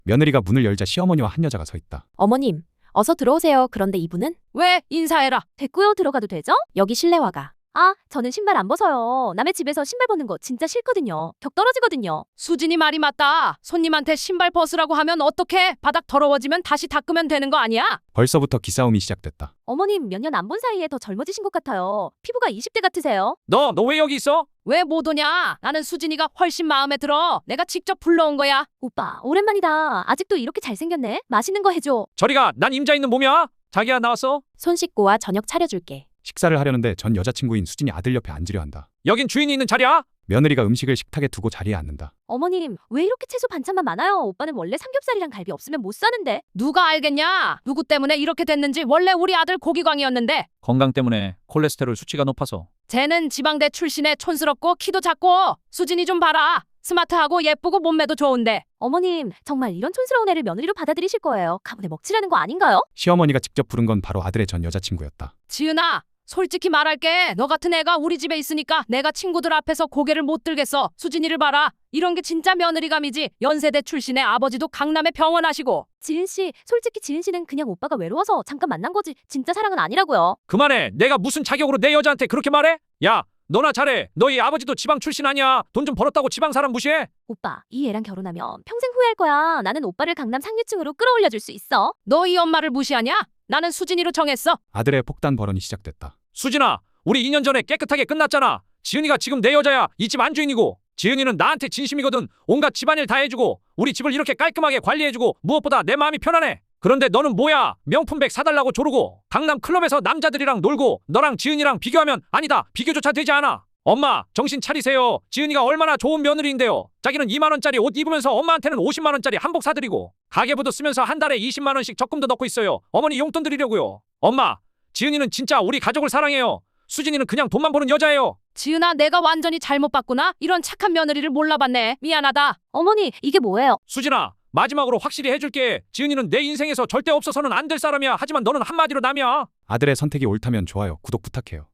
며느리가 문을 열자 시어머니와 한 여자가 서 있다. 어머님, 어서 들어오세요. 그런데 이분은? 왜 인사해라. 됐고요. 들어가도 되죠? 여기 실내화가. 아, 저는 신발 안 벗어요. 남의 집에서 신발 벗는 거 진짜 싫거든요. 격 떨어지거든요. 수진이 말이 맞다. 손님한테 신발 벗으라고 하면 어떡해? 바닥 더러워지면 다시 닦으면 되는 거 아니야? 벌써부터 기싸움이 시작됐다. 어머님, 몇 년 안 본 사이에 더 젊어지신 것 같아요. 피부가 20대 같으세요. 너 왜 여기 있어? 왜 못 오냐? 나는 수진이가 훨씬 마음에 들어. 내가 직접 불러온 거야. 오빠, 오랜만이다. 아직도 이렇게 잘생겼네. 맛있는 거 해줘. 저리가. 난 임자 있는 몸이야. 자기야 나왔어? 손 씻고 와. 저녁 차려줄게. 식사를 하려는데 전 여자친구인 수진이 아들 옆에 앉으려 한다. 여긴 주인이 있는 자리야? 며느리가 음식을 식탁에 두고 자리에 앉는다. 어머님, 왜 이렇게 채소 반찬만 많아요? 오빠는 원래 삼겹살이랑 갈비 없으면 못 사는데. 누가 알겠냐? 누구 때문에 이렇게 됐는지. 원래 우리 아들 고기광이었는데 건강 때문에 콜레스테롤 수치가 높아서. 쟤는 지방대 출신에 촌스럽고 키도 작고. 수진이 좀 봐라. 스마트하고 예쁘고 몸매도 좋은데. 어머님, 정말 이런 촌스러운 애를 며느리로 받아들이실 거예요? 가문에 먹칠하는 거 아닌가요? 시어머니가 직접 부른 건 바로 아들의 전 여자친구였다. 지은아, 솔직히 말할게. 너 같은 애가 우리 집에 있으니까 내가 친구들 앞에서 고개를 못 들겠어. 수진이를 봐라. 이런 게 진짜 며느리감이지. 연세대 출신의 아버지도 강남에 병원 하시고. 지은 씨, 솔직히 지은 씨는 그냥 오빠가 외로워서 잠깐 만난 거지. 진짜 사랑은 아니라고요. 그만해. 내가 무슨 자격으로 내 여자한테 그렇게 말해? 야, 너나 잘해. 너희 아버지도 지방 출신 아니야. 돈 좀 벌었다고 지방 사람 무시해? 오빠, 이 애랑 결혼하면 평생 후회할 거야. 나는 오빠를 강남 상류층으로 끌어올려줄 수 있어. 너 이 엄마를 무시하냐? 나는 수진이로 정했어. 아들의 폭탄 발언이 시작됐다. 수진아, 우리 2년 전에 깨끗하게 끝났잖아. 지은이가 지금 내 여자야. 이 집 안주인이고. 지은이는 나한테 진심이거든. 온갖 집안일 다 해주고 우리 집을 이렇게 깔끔하게 관리해주고 무엇보다 내 마음이 편안해. 그런데 너는 뭐야? 명품백 사달라고 조르고 강남 클럽에서 남자들이랑 놀고 너랑 지은이랑 비교하면 아니다. 비교조차 되지 않아. 엄마, 정신 차리세요. 지은이가 얼마나 좋은 며느리인데요. 자기는 2만 원짜리 옷 입으면서 엄마한테는 50만 원짜리 한복 사드리고 가계부도 쓰면서 한 달에 20만 원씩 적금도 넣고 있어요. 어머니 용돈 드리려고요. 엄마, 지은이는 진짜 우리 가족을 사랑해요. 수진이는 그냥 돈만 버는 여자예요. 지은아, 내가 완전히 잘못 봤구나. 이런 착한 며느리를 몰라봤네. 미안하다. 어머니, 이게 뭐예요? 수진아, 마지막으로 확실히 해줄게. 지은이는 내 인생에서 절대 없어서는 안 될 사람이야. 하지만 너는 한마디로 남이야. 아들의 선택이 옳다면 좋아요, 구독 부탁해요.